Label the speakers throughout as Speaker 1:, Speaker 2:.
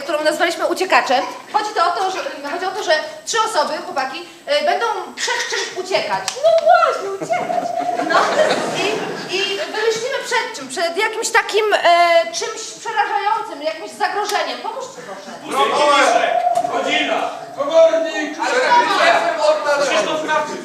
Speaker 1: którą nazwaliśmy uciekaczem. Chodzi o to, że 3 osoby, chłopaki, będą przed czymś uciekać. No właśnie, uciekać. No i wymyślimy przed czym? Przed jakimś takim czymś przerażającym, jakimś zagrożeniem. Pomóżcie proszę.
Speaker 2: Godzina!
Speaker 3: Komornik!
Speaker 2: Krzysztof Krawczyk!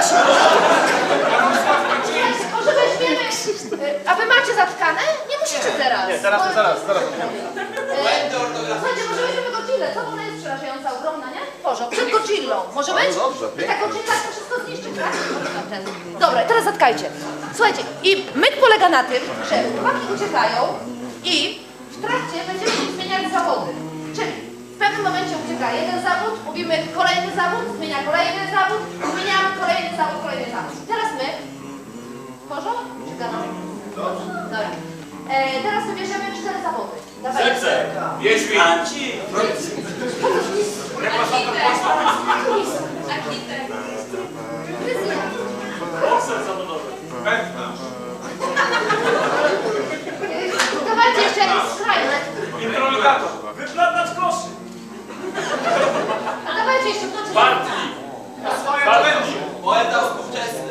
Speaker 1: Może weźmiemy... A wy macie zatkane? Nie musicie teraz.
Speaker 4: Nie, zaraz.
Speaker 1: Słuchajcie, może weźmiemy Godzillę. Co ona jest przerażająca, ogromna, nie? Boże, przed Godzillą. Może być?
Speaker 4: No dobrze,
Speaker 1: I ta Godzilla to wszystko zniszczy, tak? Dobra, teraz zatkajcie. Słuchajcie, i myk polega na tym, że chłopaki uciekają i w trakcie będziemy się zmieniać zawody. Czyli w pewnym momencie ucieka jeden zawód, mówimy kolejny zawód, zmienia kolejny zawód, zmieniamy kolejny zawód. I teraz my... Porząd? Czy gadamy? Dobra. Teraz wybierzemy 4 zawody. Dawaj.
Speaker 2: Wiedźmin!
Speaker 1: Architekt.
Speaker 2: Bokser zawodowy! Wędka!
Speaker 1: Dawajcie jeszcze jakiś skrajny.
Speaker 2: Introligator! Wyplatacz koszy!
Speaker 1: A dawajcie jeszcze w nocy.
Speaker 2: Bartli! Bartli!
Speaker 3: Poeta współczesny!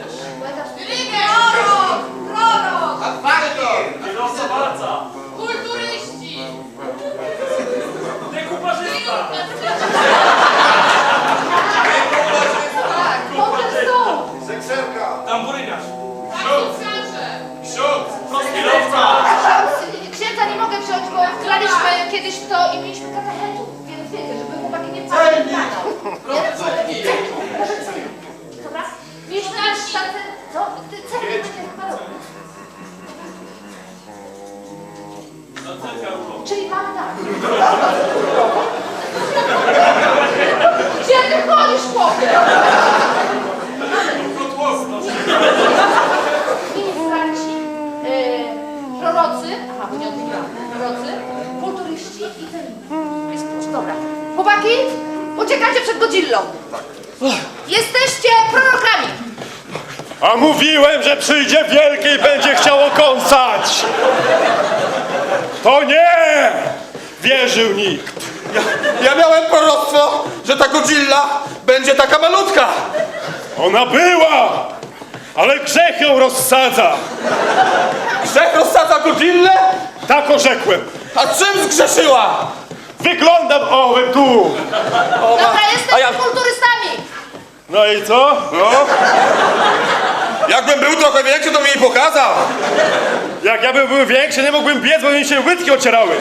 Speaker 1: Prorok!
Speaker 2: Kierowca walca!
Speaker 1: Kulturyści!
Speaker 2: Dekuparzysta!
Speaker 1: Tak, potem stół!
Speaker 3: Sekserka!
Speaker 2: Tamburyniarz!
Speaker 3: Ksiądz!
Speaker 2: Kierowca!
Speaker 1: Księdza nie mogę wziąć, bo wgraliśmy kiedyś w to i mieliśmy katechetów, więc wiecie, żeby chłopaki nie wpadli na kanał. Celnik! Może celnik. Dobra? Wiesz, co? Ty celnik będzie chwalał. Czyli mamy tak. Gdzie ty chodzisz, chłopie? Ministranci, prorocy, aha, bo nie odmówiłam, prorocy, kulturyści i celnicy. Jest klucz, dobra. Chłopaki, uciekacie przed Godzillą. Tak. Jesteście prorokami.
Speaker 4: A mówiłem, że przyjdzie wielki i będzie chciało kąsać! To nie! Wierzył nikt.
Speaker 3: Ja miałem proroctwo, że ta Godzilla będzie taka malutka!
Speaker 4: Ona była! Ale grzech ją rozsadza!
Speaker 3: Grzech rozsadza Godzillę?
Speaker 4: Tak orzekłem.
Speaker 3: A czym zgrzeszyła?
Speaker 4: Wyglądam ołem tu!
Speaker 1: Dobra, jesteście kulturystami.
Speaker 4: No i co?
Speaker 3: No. Jakbym był trochę większy, to mi jej pokazał!
Speaker 4: Jak ja bym był większy, nie mógłbym biec, bo mi się łydki ocierały.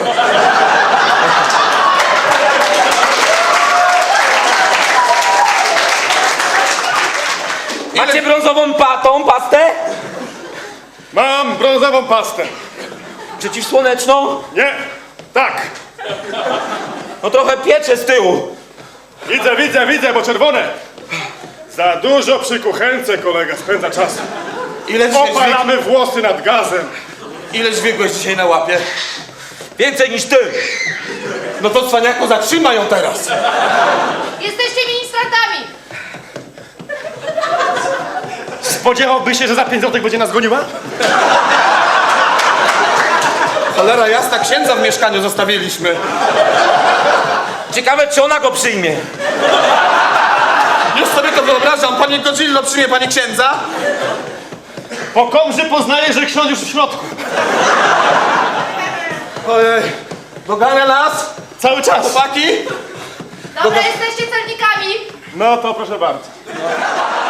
Speaker 5: Macie brązową pastę?
Speaker 4: Mam brązową pastę.
Speaker 5: Przeciwsłoneczną?
Speaker 4: Nie, tak.
Speaker 5: No trochę piecze z tyłu.
Speaker 4: Widzę, bo czerwone. Za dużo przy kuchence kolega spędza czas. Opalamy włosy nad gazem.
Speaker 3: Ile dźwigłeś dzisiaj na łapie?
Speaker 5: Więcej niż ty.
Speaker 3: No to cwaniaku, zatrzymaj ją teraz!
Speaker 1: Jesteście ministrantami.
Speaker 4: Spodziewałby się, że za 5 złotych będzie nas goniła?
Speaker 3: Cholera jasna, księdza w mieszkaniu zostawiliśmy.
Speaker 5: Ciekawe, czy ona go przyjmie.
Speaker 3: Już sobie to wyobrażam. Panie Godzillo, przyjmie pani księdza?
Speaker 4: Po komrze poznaje, że ksiądz już w środku.
Speaker 3: Ojej, dogania nas?
Speaker 4: Cały czas.
Speaker 3: Chłopaki?
Speaker 1: Dobra, jesteście celnikami.
Speaker 4: No to proszę bardzo.